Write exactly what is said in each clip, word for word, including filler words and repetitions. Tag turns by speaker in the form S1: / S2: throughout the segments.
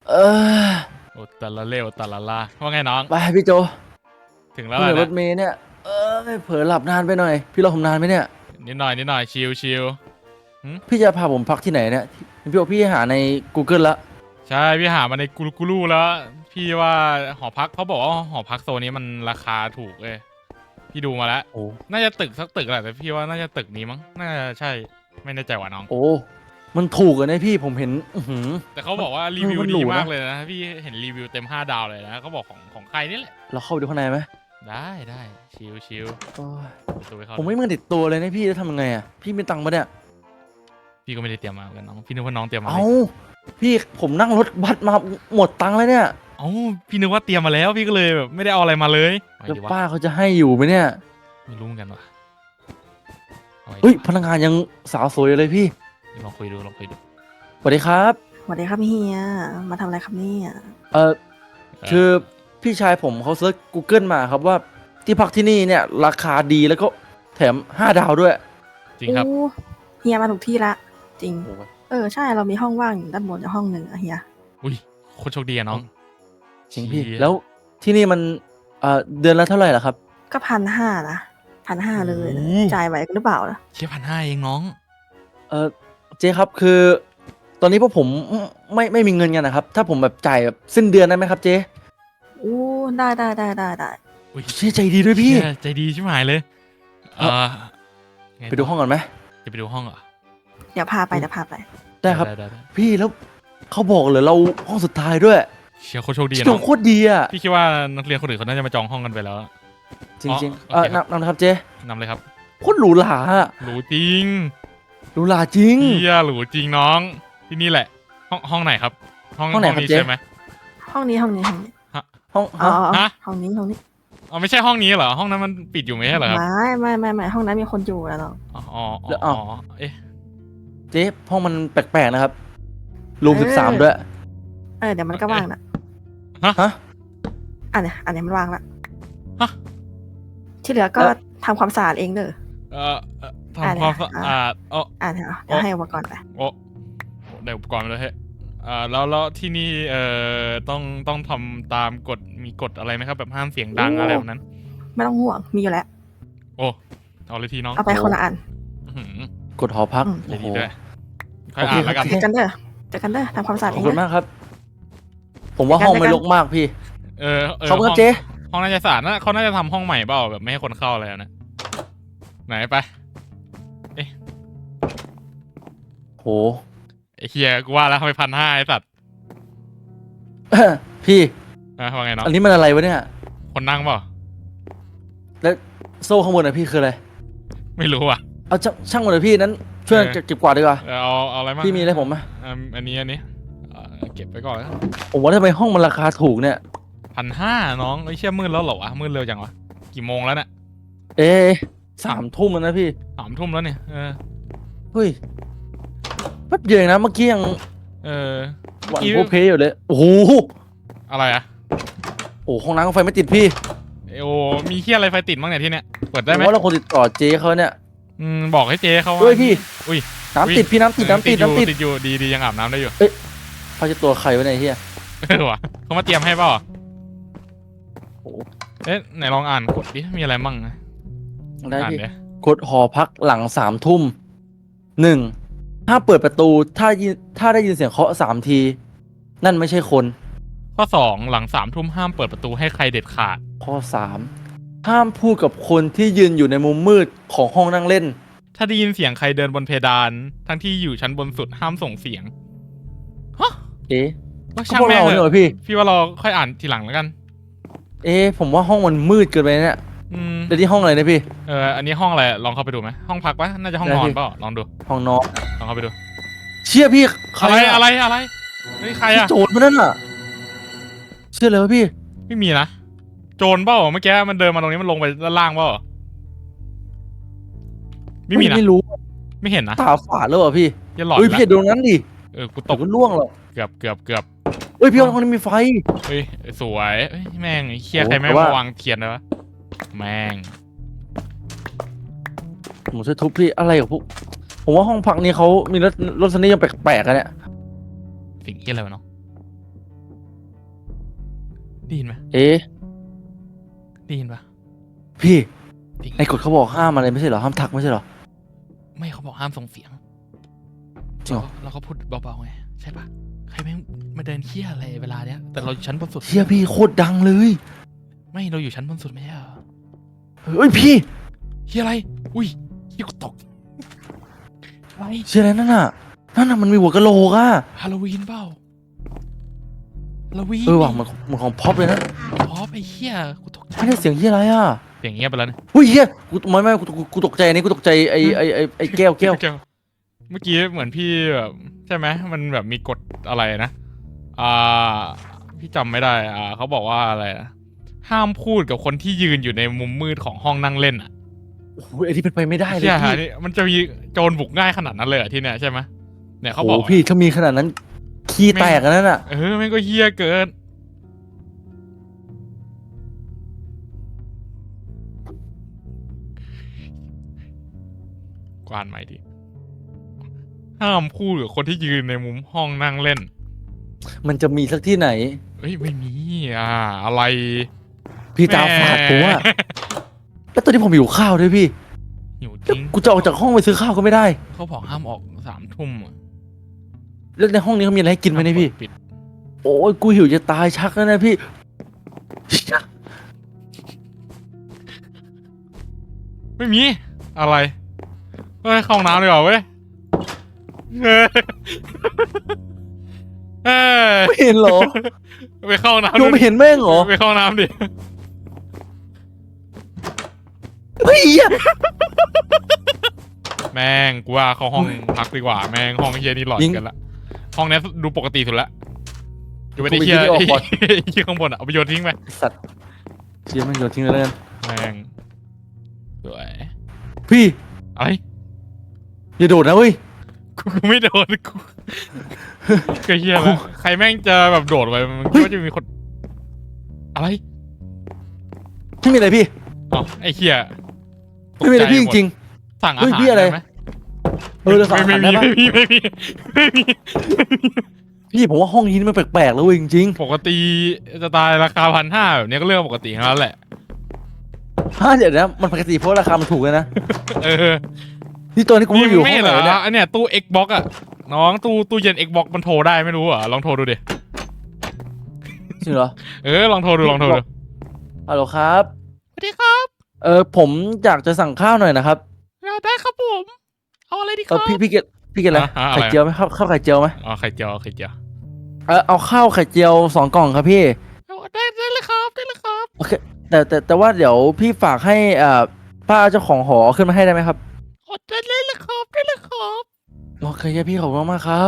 S1: เออ
S2: โอ้แต่ละเร็วแต่ละลาว่าไงน้อง
S1: ไปพี่โจ
S2: ถึงแล้ว
S1: เมื่อร
S2: นะ
S1: ถเมย์เนี่ยเออเผลอหลับนานไปหน่อยพี่รอผมนานไหมเนี่ย
S2: นิดหน่อยนิดหน่อยชิลชิล
S1: พี่จะพาผมพักที่ไหนเนี่ยพี่บอกพี่หาใน กูเกิล ละ
S2: ใช่พี่หามาในกูกูรูแล้วพี่ว่าหอพักเขาบอกว่าหอพักโซนนี้มันราคาถูกเลยพี่ดูมาแล้ว
S1: โอ้
S2: น่าจะตึกสักตึกแหละแต่พี่ว่าน่าจะตึกนี้มั้งน่าจะใช่ไม่แน่ใจว่ะน้อง
S1: โอ้มันถูกอะนะพี่ผมเห็นอือหือ
S2: แต่เขาบอกว่ารีวิวดีมากเลยนะพี่เห็นรีวิวเต็มห้าดาวเลยนะเขาบอกของของใครนี่แหละ
S1: เราเข้าไปดูข้างในไหม
S2: ได้ได้ชิลชิลตัวไปเข้า
S1: ผมไม่มีเงินติดตัวเลยนะพี่จะทำยังไงอะพี่มีตังค์ปะเนี่ย
S2: พี่ก็ไม่ได้เตรียมมาเหมือนกันน้องพี่นึกว่าน้องเตรียมมาเล
S1: เอ้า
S2: ย
S1: พี่ผมนั่งรถบัสมาหมดตังค์แล้วเนี่ย
S2: เอ้าพี่นึกว่าเตรียมมาแล้วพี่ก็เลยแบบไม่ได้เอาอะไรมาเลย
S1: แล้วป้าเขาจะให้อยู่ไหมเนี่ย
S2: ไม่รู้เหมือนกันว่ะ
S1: เฮ้ยพนักงานยังสาวสวยอยู่เลยพี่
S2: ลองคุยดูลองคุยดู
S1: สวัสดีครับ
S3: สวัสดีครับเฮียมาทำอะไรครับเนี่ย
S1: เออคือพี่ชายผมเขาเซิร์ช กูเกิล มาครับว่าที่พักที่นี่เนี่ยราคาดีแล้วก็แถมห้าดาวด้วย
S2: จริงครับ
S3: โอ้เฮียมาถูกที่ละจริงเออใช่เรามีห้องว่างอยู่ด้านบนห้องหนึ่งอะเฮีย
S2: อุ้ยโคตรโชคดีอะน้อง
S1: จริงพี่แล้วที่นี่มันเอ่อเดือนละเท่าไหร่ล่ะครับ
S3: ก็พันห้านะพันห้าเลยจ่ายไหวหรือเปล่าล่ะ
S2: แค่พันห้าเองน้อง
S1: เออเจ๊ครับคือตอนนี้พวกผมไม่ไม่มีเงินกันนะครับถ้าผมแบบจ่ายแบบสิ้นเดือนได้ไหมครับเจ๊
S3: โอ้ได้ได้ได้ได้ได้
S2: อุ้ย
S1: เจ๊ใจดีด้วยพี่
S2: ใจดีชิบหายเลยเออ
S1: ไปดูห้องก่อนไหม
S2: จะไปดูห้องเหรอ
S3: เดี๋ยวพาไปเดี๋ยวพาไป
S1: ได้ครับพี่แล้วเขาบอกเลยเราห้องสุดท้ายด้วย
S2: เชียร์โคตรโชคดี
S1: น้องโคตรดีอ่ะ
S2: พี่คิดว่านักเรียนคนอื่นเขาน่าจะมาจองห้องกันไปแล้ว
S1: จริงๆเออนำนำนะครับเจ๊
S2: นำเลยครับ
S1: โคตรหรูหรา
S2: หรูจริง
S1: หรูหราจริง
S2: เฮียหรูจริงน้องที่นี่แหละห้องห้องไหนครับ
S1: ห้องห้องไหนครับเจ๊
S3: ห้องนี้ห้องนี้ห้องนี้
S1: ห้อง
S3: ฮะห้องนี้ห้องนี้
S2: อ๋อไม่ใช่ห้องนี้เหรอห้องนั้นมันปิดอยู่ไหมเหรอครับ
S3: ไม่ไม่ไม่ไม่ห้องนั้นมีคนอยู่แล้วเนาะ
S2: อ๋ออ๋อเอ๊ะ
S1: เจ๊ห้องมันแปลกๆนะครับรูมสิบสามด้วย
S3: เออเดี๋ยวมันก็ว่างนะ
S1: ฮะ
S3: อันเนี้ยอันเนี้ยมันว่างละ
S2: ฮะ
S3: ที่เหลือก็ทำความสะอาดเองเด้อ
S2: เออทำความสะอาดอ๋อ
S3: อ่าเดี๋ยวให้อุปกรณ์ไป
S2: โอ้ได้อุปกรณ์เลยเฮ้ยอ่าแล้วแล้วที่นี่เอ่อต้องต้องทำตามกฎมีกฎอะไรไหมครับแบบห้ามเสียงดังอะไรแบบนั้น
S3: ไม่ต้องห่วงมีอยู่แล้ว
S2: โอ้เอาเลยทีน้อง
S3: เอาไปคนละอัน
S1: กดหอพัก
S2: โอ้โหด้วยค่อยอ่านแล้วกัน
S3: เจอกันเด้อเจอกันเด้อทำความสะอาดเอง
S1: ขอบคุณมากครับผมว่าห้องไม่รกมากพี่
S2: เออ
S1: เขาเมื่อเจ๊
S2: ห้องน่าจะสะอาดนะเขาน่าจะทำห้องใหม่เปล่าแบบไม่ให้คนเข้าอะไรนะไหนไปเอ๊ะ
S1: โห
S2: ไอ้เฮียกูว่าแล้วทำไมพันห้าไอ้สัตว์
S1: พี่
S2: ว่าไงเนาะ
S1: อันนี้มันอะไรวะเนี่ย
S2: คนนั่งเปล่า
S1: แล้วโซ่ข้างบนอะพี่คืออะไร
S2: ไม่รู้อ่ะ
S1: เอาช่างหมดเลยพี่นั้นช่วยเก็บกวาดดีกว่า
S2: เอาเอาอะไรมา
S1: พี่มีอะไรผมไหม
S2: อันนี้อันนี้เก็บไปก่อน
S1: ผมว่าทำไมห้องมันราคาถูกเนี่ย
S2: พันห้าน้องไอ้เชี่ยมืดแล้วเหรอวะมืดเร็วจังวะกี่โมงแล้วเนี่ย
S1: เอ๊สามทุ่มแล้วนะพี่
S2: สามทุ่มแล้วเนี่ยเออ
S1: เฮ้ยแป๊บเดียวนะเมื่อกี้ยัง
S2: เออ
S1: หวังโพเพอยู่เลยโอ้โห
S2: อะไรอะ
S1: โอ้ห้องน้ำไฟไม่ติดพี่
S2: โอ้มีเคี้ยอะไรไฟติดบ้างเนี่ยที่เนี่ยเปิดได้ไหม
S1: ว่าเราคนติดต่อเจ๊เขาเนี่ย
S2: อืมบอกให้เจ๊เขา
S1: ด้วยพี่
S2: อุ้ย
S1: น้ำติดพี่น้ำติดน้ำติดน้ำติด
S2: ติดอยู่ดีดียังอาบน้ำได้อยู่
S1: เอ้ยเขาจะตัวใครวะเนี่ยเฮีย
S2: เออวะเขามาเตรียมให้เปล่าโอ้เอ๊ะไหนลองอ่านกดดิมีอะไรมั่งนะ
S1: ได้พี่กดหอพักหลังสามทุ่มหนึ่งถ้าเปิดประตูถ้าถ้าได้ยินเสียงเคาะสามทีนั่นไม่ใช่คน
S2: ข้อสองหลังสามทุ่มห้ามเปิดประตูให้ใครเด็ดขาด
S1: ข้อสามห้ามพูดกับคนที่ยืนอยู่ในมุมมืดของห้องนั่งเล่น
S2: ถ้าได้ยินเสียงใครเดินบนเพดานทั้งที่อยู่ชั้นบนสุดห้ามส่งเสียงฮะ
S1: เอ๊ะ
S2: ว่าช่างแม่งเลยพี่พี่ว่าเราค่อยอ่านทีหลังแล้วกัน
S1: เอ๊ะผมว่าห้องมันมืดเกินไปเนี่ย
S2: อืม
S1: เดี๋ยวที่ห้องอะไรนะพี่
S2: เอออันนี้ห้องอะไรลองเข้าไปดูไหมห้องพักปะน่าจะห้องนอนเปล่าลองดู
S1: ห้องนอน
S2: ลองเข้าไปดู
S1: เชี่ยพี่
S2: อะไรอะไรอะไรนี่ใครอะ
S1: โจรมันนั่นอะเชื่อเลยวะพี่
S2: ไม่มีนะโจรเปล่าเมื่อกี้มันเดินมาตรงนี้มันลงไปด้านล่างเปล่าไม่มีนะ
S1: ไม่รู้
S2: ไม่เห็นนะ
S1: ตาฝาดแล้วเหรอพี่
S2: อย่าหลอน
S1: เฮ้ยพี่ดูนั้นดิ
S2: เออกูตก
S1: มันล่วงหรอ
S2: เกือบเกือบเกือบ
S1: เฮ้ยพี่ห้องนี้มีไฟ
S2: เฮ้ยสวยแม่งเคียใครไม่มาวางเทียนเลยวะแม่ง
S1: ผมจะทุบพี่อะไรกับพวกผมว่าห้องพักนี้เขามีรถรถสนิยมแปลกๆกันเนี่ย
S2: สิ่งที่อะไรวะเนาะได้ยินไหม
S1: เอ๊ะ
S2: ได้ยินปะ
S1: พี่
S2: จริง
S1: ในกฎเขาบอกห้ามอะไรไม่ใช่เหรอห้ามทักไม่ใช่เหรอ
S2: ไม่เขาบอกห้ามส่งเสียง
S1: จริงเหรอ
S2: แล้วก็พูดเบาๆไงใช่ปะใครแม่งมาเดินเที่ยอะไรเวลาเนี้ยแต่เราอยู่ชั้นบนสุด
S1: เชี่ยพี่โคตรดังเลย
S2: ไม่เราอยู่ชั้นบนสุดไม่ใช่เหรอ
S1: เฮ้ยพี่
S2: เฮียอะไรอุ้ยเฮียกูตกอะไร
S1: เชี่ยอะไรนั่นน่ะนั่นน่ะมันมีหัวกะโหลกอ่ะ
S2: ฮาโลวีนเปล่าฮาโลวีน
S1: เออว่ะมันมันของพ็อปเลยนะ
S2: อ๋อไปเฮียกูตกใจ
S1: ไม่ได้เสียงเฮียอะไรอ่ะ
S2: เสียงเงียบไปแล้วเนี่ย
S1: อุ้ยเฮียกูไม่ไม่กูกูกูตกใจอันนี้กูตกใจไอไอไอไอแก้วแก้ว
S2: เมื่อกี้เหมือนพี่แบบใช่ไหมมันแบบมีกฎอะไรนะอ่าพี่จำไม่ได้อ่าเขาบอกว่าอะไรนะห้ามพูดกับคนที่ยืนอยู่ในมุมมืดของห้องนั่งเล่นอ่ะ
S1: โอ้โหไอที่เป็นไปไม่ได้เลย
S2: ใช่
S1: พี่
S2: นี่มันจะมีโจรบุกง่ายขนาดนั้นเลยเหรอที่เนี่ยใช่ไหมเนี่ยเขา
S1: โอ้
S2: บอก
S1: โหพี่ถ้ามีขนาดนั้นขี้แตกอันนั้นอ่ะ
S2: เออแม่งก็เฮี้ยเกินกวานใหม่ดิห้ามพูดกับคนที่ยืนในมุมห้องนั่งเล่น
S1: มันจะมีสักที่ไหน
S2: เฮ้ยไม่มีอ่าอะไร
S1: พี่ตาฝาดผมอ่ะแล้วตอนนี้ผมหิวข้าวด้วยพี่
S2: หิวจ
S1: แล้ว
S2: ริง
S1: กูจะออกจากห้องไปซื้อข้าวก็ไม่ได้
S2: เขาบอกห้ามออกสามทุ่มอะ
S1: แล้วในห้องนี้เขามีอะไรให้กินไหมเนี่ยพี่
S2: ปิด
S1: โอ้ยกูหิวจะตายชักแล้วนะพี่
S2: ไม่มีอะไรเฮ้ยเข้าห้องน้ำดีกว่าเว้ยเฮ้ยเฮ้ย
S1: ไม่เห็นเหรอ
S2: ไปเข้าห้องน้ำ
S1: โยมไม่เห็นแม่งเหรอ
S2: ไปเข้าห้องน้ำดิ
S1: เฮ้ยเหี้ย
S2: แม่งกูว่าเข้าห้องพักดีกว่าแม่งห้องเฮียนี่หลอนกันละห้องนี้ดูปกติสุดละอยู่ไปในเฮียไอ้เฮียข้างบนอ่ะเอาไปโยนทิ้งไป
S1: สัตว์เชี่ยแม่งโยนทิ้งเลยแล้วกัน
S2: แม่งสวย
S1: พี่
S2: อะไร
S1: อย่าโดดนะเว้ย
S2: กูกูไม่โดนกูก็เฮียแล้วใครแม่งจะแบบโดดไปมันก็จะมีคนอะไร
S1: ไม่มีอะไรพี่
S2: อ๋อไอ้เฮีย
S1: ไม่มีอะไรพี่จริง
S2: สั่งอา
S1: เฮ้ย
S2: หาร
S1: พี่อะไร
S2: ด้หม
S1: ๆเออเราสั่งอาหารได้
S2: ไม่
S1: ปะ
S2: มีไม่มีไม่มี
S1: พี่ผมว่าห้องนี้มันแปลกๆแล้วเว้ยจริง
S2: ปกติจะตายราคาพันห้าแบบนี้ก็เรื่องปกติทั้งนั้นแหละ
S1: ๆฮะเดี๋ยวนะมันปกติเพราะราคามันถูกเลยนะ
S2: เออ
S1: นี่ตัวนี้กู
S2: นี่
S1: ไม่อยู่ห้
S2: ไม่
S1: อง
S2: เห
S1: ไห
S2: ร
S1: น
S2: อ
S1: เนี่ย
S2: อันเนี้ยตู้ Xbox อ่ะน้องตู้ตู้เย็น Xbox มันโทรได้ไม่รู้เหรอ่ะลองโทรดูดิ
S1: จริงเหรอ
S2: เออลองโทรดูลองโทรดู
S1: ฮัลโหลครับ
S2: สวัสดีครับ
S1: เออผมอยากจะสั่งข้าวหน่อยนะครับ
S2: ได้ครับผมเอาอะไรดีค
S1: เอ
S2: รั
S1: อบ พี่พี่เกดพี่เกดอะไร
S2: อ่ะอะไร
S1: ไข่เจียวไหมข้าวข้าวไข่เจียวไหม
S2: อ๋อไข่เจียวไข่เจียว
S1: เออเอาข้าวไข่เจียวสองกล่องครับพี่
S2: ได้ได้เลยครับได้เลยครับ
S1: โอเคแต่แต่แต่ว่าเดี๋ยวพี่ฝากให้อ่าป้าเจ้าของหอขึ้นมาให้ได้ไหมครับ
S2: ได้เลยครับได้เลยครับ
S1: โอเคครับพี่ขอบคุณมากครับ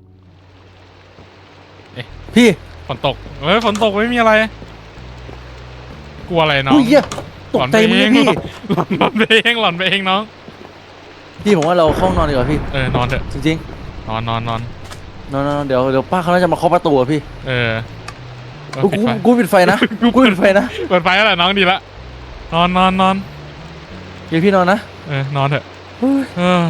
S2: เอ๊ะ
S1: พี่
S2: ฝนตกเฮ้ยฝนตกไม่มีอะไรกลัวอะไรน้อง
S1: อุ้ยเหี้ยตกใจมึงเลยพี่
S2: หลอนหลอนไปเองหลอนไปเองน้อง
S1: พี่ผมว่าเราเข้านอนดีกว่าพี่
S2: เออนอนเถอะ
S1: จริง
S2: นอนนอนนอน
S1: ๆนอนนอนเดี๋ยวเดี๋ยวป้าเขาน่าจะมาเคาะประตูอะพี่
S2: เออเออ
S1: กู
S2: ปิด
S1: กู
S2: ไฟ
S1: กูปิดไฟนะกูปิดไฟนะ
S2: เปิดไฟแล้วแหละน้องดีละนอนนอนนอน
S1: เดี๋ยวพี่นอนนะ
S2: เออนอนเถอะ
S1: เฮ้ย
S2: เออ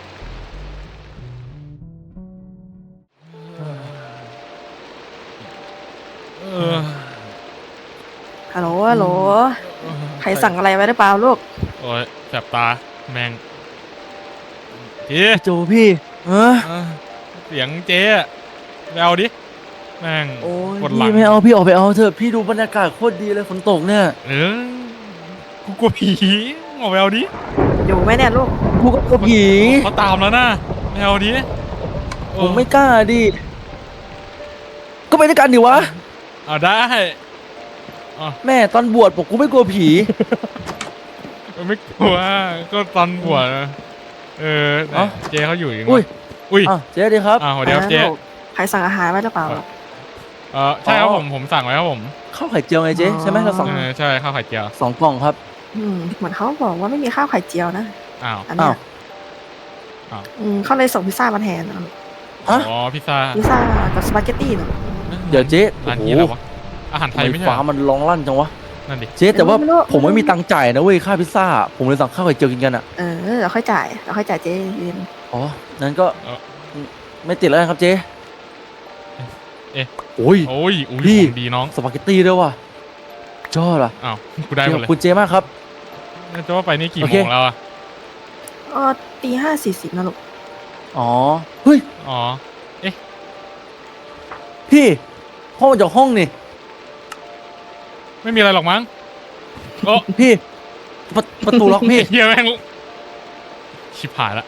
S2: เออ
S3: ฮัลโหลฮัลโหลใครสั่งอะไรไว้หรือเปล่าลูก
S2: โอ้ยแสบตาแมงพี่
S1: โจพี่เออ
S2: เออเสียงเจ๊อะไปเอาดิแม่ง
S1: โอ้ย
S2: กดหลัง
S1: พี่ไม่เอาพี่ออกไปเอาเถอะพี่ดูบรรยากาศโคตรดีเลยฝนตกเนี่ย
S2: เออกูกลัวผีออกไปเอาดิ
S3: อยู่ไหมเนี่ยลูก
S1: กูก็กลัวผี
S2: เขาตามแล้วนะไปเอาดิโอ้
S1: ผมไม่กล้าดิก็ไปด้วยกันดิวะ
S2: เอาได้
S1: แม่ตอนบวชผมกูไม่กลัวผี
S2: ไม่กลัวก็ตอนบวชนะเออไหน
S1: เอ้า
S2: เจ๊เขาอยู่ยังไง
S1: อุ้ย
S2: อุ้ย
S1: อ่ะเจ๊ดีครับ
S2: อ้าวสวัสดีครับเจ๊
S3: ลูกใครสั่งอาหารไว้หรือเปล่าลูก
S2: เออใช่ครับ
S1: อ๋อ
S2: ผมผมสั่งไว้ครับผม
S1: ข้าวไข่เจียวไงเจ๊
S3: อ๋อ
S1: ใช่ไหมเราสอง
S2: เออใช่ข้าวไข่เจียว
S1: สองกล่องครับ
S3: อืมเหมือนเขาบอกว่าไม่มีข้าวไข่เจียวนะ
S2: อ้าว
S3: อันเนี้ย
S1: อ้าว
S3: อืมเขาเลยส่งพิซซ่ามาแทนนะ
S1: ฮะ
S2: อ๋อพิซซ่า
S3: พิซซ่ากับสปาเกตตี้เนอะ
S1: เดี๋ยวเจ๊
S2: ร้าน
S1: โอ้
S2: นี้
S1: โห
S2: อะไรวะอาหารไทย
S1: ทำไม
S2: ไม่ใช่
S1: ฟ้า
S2: เหรอ
S1: มันร้องลั่นจังวะ
S2: นั่นดิ
S1: เจ๊แต่ว่าผมไม่มีตังค์จ่ายนะเว้ยค่าพิซซ่า ผมเลยสั่งข้าวไข่เจียวกินกันอ่ะ
S3: เออเราค่อยจ่ายเราค่อยจ่ายเจ๊เย็น
S1: อ๋อนั้นก็ไม่ติดแล้วกันครับเจ๊
S2: เอ๊ะ
S1: โอ้ย
S2: โอ้ยอุ้ย
S1: พี่
S2: ของดีน้อง
S1: สปาเกตตี้ด้วยว่ะจอดอ่ะ
S2: อ้าวกูได้หม
S1: ข
S2: ด
S1: อบ
S2: เลย
S1: คุณเจมากครับ
S2: จะว่าไปนี่กี่
S1: โอ
S2: โม
S1: เค
S2: งแล้วอะ
S3: เออตีห้าสี่สิบนะลูก
S1: อ๋อเฮ้ย
S2: อ๋อ
S1: พี่พ่อมาจากห้องนี่
S2: ไม่มีอะไรหรอกมั้งโอ้
S1: พี่ประประตูล็อกพี่
S2: เฮียแม่งชิบหายละ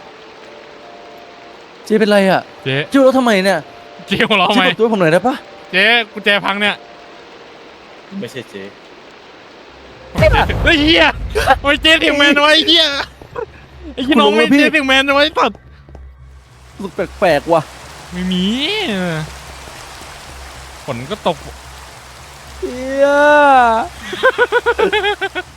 S1: เจเป็นไรอ่ะ
S2: เจ๊
S1: เจแล้วทำไมเนี่ย
S2: เจ๊หัวเราะ
S1: เจ
S2: ทำไม
S1: เปิดตัวให้ผมหน่อยได้ปะ
S2: เจ๊กุญแจพังเนี่ย
S4: ไม่ใช่เจ๊
S2: เฮ้ยเฮียโอ้ยเจ๊ถึงแมนไว้เฮียไอ้ยี่น้องไม่เจ๊ถึงแมนไว้ตัด
S1: รู้สึกแปลกๆว่ะ
S2: ไม่มีฝนก็ตก
S1: เฮีย